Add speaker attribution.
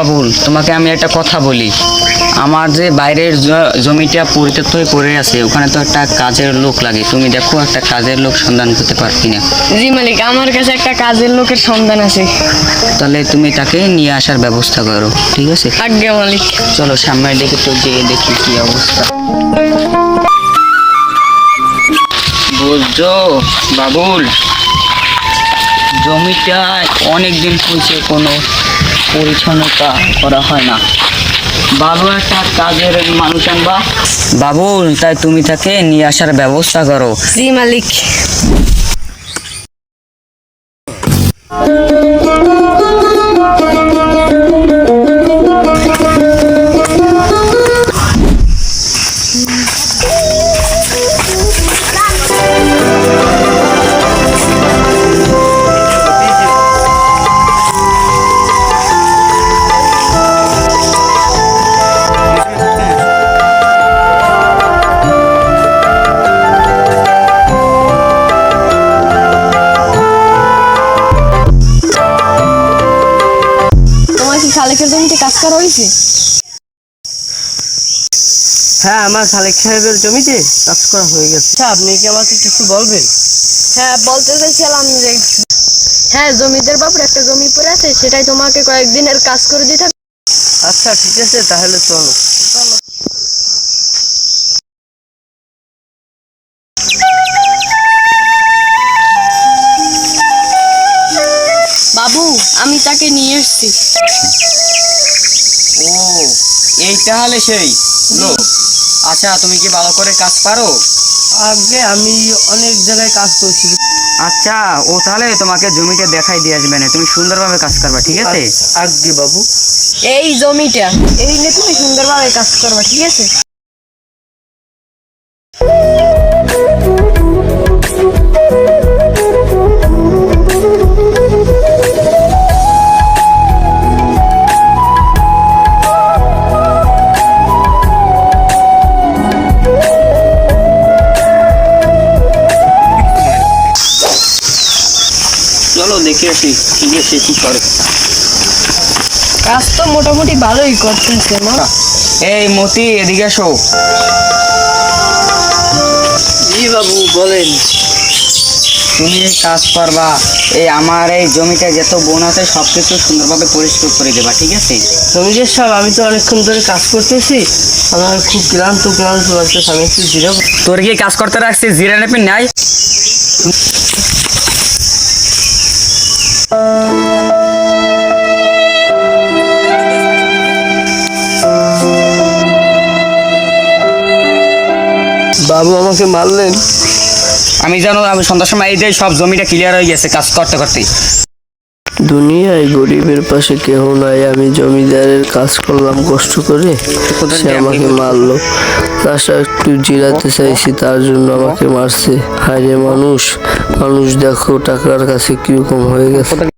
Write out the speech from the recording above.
Speaker 1: বাবুল, তোমাকে আমি একটা কথা বলি। আমার যে বাইরের জমিটা পরিত্যক্ত হয়ে পড়ে আছে, ওখানে তো একটা কাজের লোক লাগে। তুমি দেখো একটা কাজের লোক সন্ধান করতে পারছি না।
Speaker 2: জি মালিক, আমার কাছে একটা কাজের লোকের সন্ধান আছে।
Speaker 1: তাহলে তুমি তাকে নিয়ে আসার ব্যবস্থা করো, ঠিক আছে?
Speaker 2: আজ্ঞা মালিক।
Speaker 1: চলো সামনের দিকে তো যেয়ে দেখি কি অবস্থা। বুঝছো বাবুল, জমিটা অনেকদিন হয়েছে কোনো পরিচ্ছন্নতা করা হয় না। ভালো একটা কাজের মানুষ আনবা বাবুল, তাই তুমি তাকে নিয়ে আসার ব্যবস্থা করো।
Speaker 2: জি মালিক। তোমার কি খালেকের জমিতে কাজ করা হয়েছে?
Speaker 3: হ্যাঁ, আমার খালেক সাহেবের জমিতে কাজ করা হয়ে গেছে। আচ্ছা, আপনি কি আমাকে কিছু বলবেন?
Speaker 2: হ্যাঁ, বলতে চাইছিলাম যে হ্যাঁ, জমিদার বাবুর একটা জমি পড়ে আছে, সেটাই তোমাকে কয়েকদিনের কাজ করে দিতে হবে।
Speaker 3: আচ্ছা ঠিক আছে, তাহলে চলো।
Speaker 2: বাবু, আমি তাকে নিয়ে এসেছি।
Speaker 1: ও, এই তাহলে সেই লোক। আচ্ছা, তুমি কি ভালো করে কাজ পারো?
Speaker 3: আগে আমি অনেক জায়গায় কাজ করছি।
Speaker 1: আচ্ছা, ও তাহলে তোমাকে জমিটা দেখাই দিয়ে আসবে না, তুমি সুন্দরভাবে কাজ করবা, ঠিক আছে?
Speaker 3: আগে বাবু,
Speaker 2: এই জমিটা এই নিয়ে তুমি সুন্দরভাবে কাজ করবা, ঠিক আছে?
Speaker 1: চলো দেখে আসি ঠিক আছে কি করে।
Speaker 2: কাজ তো মোটামুটি ভালোই করতেছে মা।
Speaker 1: এই মতি, এদিকে এসো।
Speaker 3: জি বাবু, বলেন।
Speaker 1: তুমি কাজ করবা, এই আমার এই জমিটা যত বন আছে সবকিছু সুন্দরভাবে পরিষ্কার করে দেবা, ঠিক আছে?
Speaker 3: জমিদার সাহেব, আমি তো অনেকক্ষণ ধরে কাজ করতেছি, আমার খুব ক্লান্ত লাগতেছে, আমি একটু জিরাবো।
Speaker 1: তোর কি কাজ করতে রাখছি, জিরা নেপি নাই?
Speaker 3: বাবু আমাকে মারলেন।
Speaker 1: আমি জানো, আমি সন্ধ্যার সময় এই যে সব জমিটা ক্লিয়ার হয়ে গেছে কাজ করতে করতে।
Speaker 3: দুনিয়ায় গরিবের পাশে কেউ নাই, আমি জমিদারের কাজ করলাম কষ্ট করে, সে আমাকে মারলো। তাছাড়া একটু জিরাতে চাইছি, তার জন্য আমাকে মারছে। হায় রে মানুষ, মানুষ দেখো টাকার কাছে কিরকম হয়ে গেছে।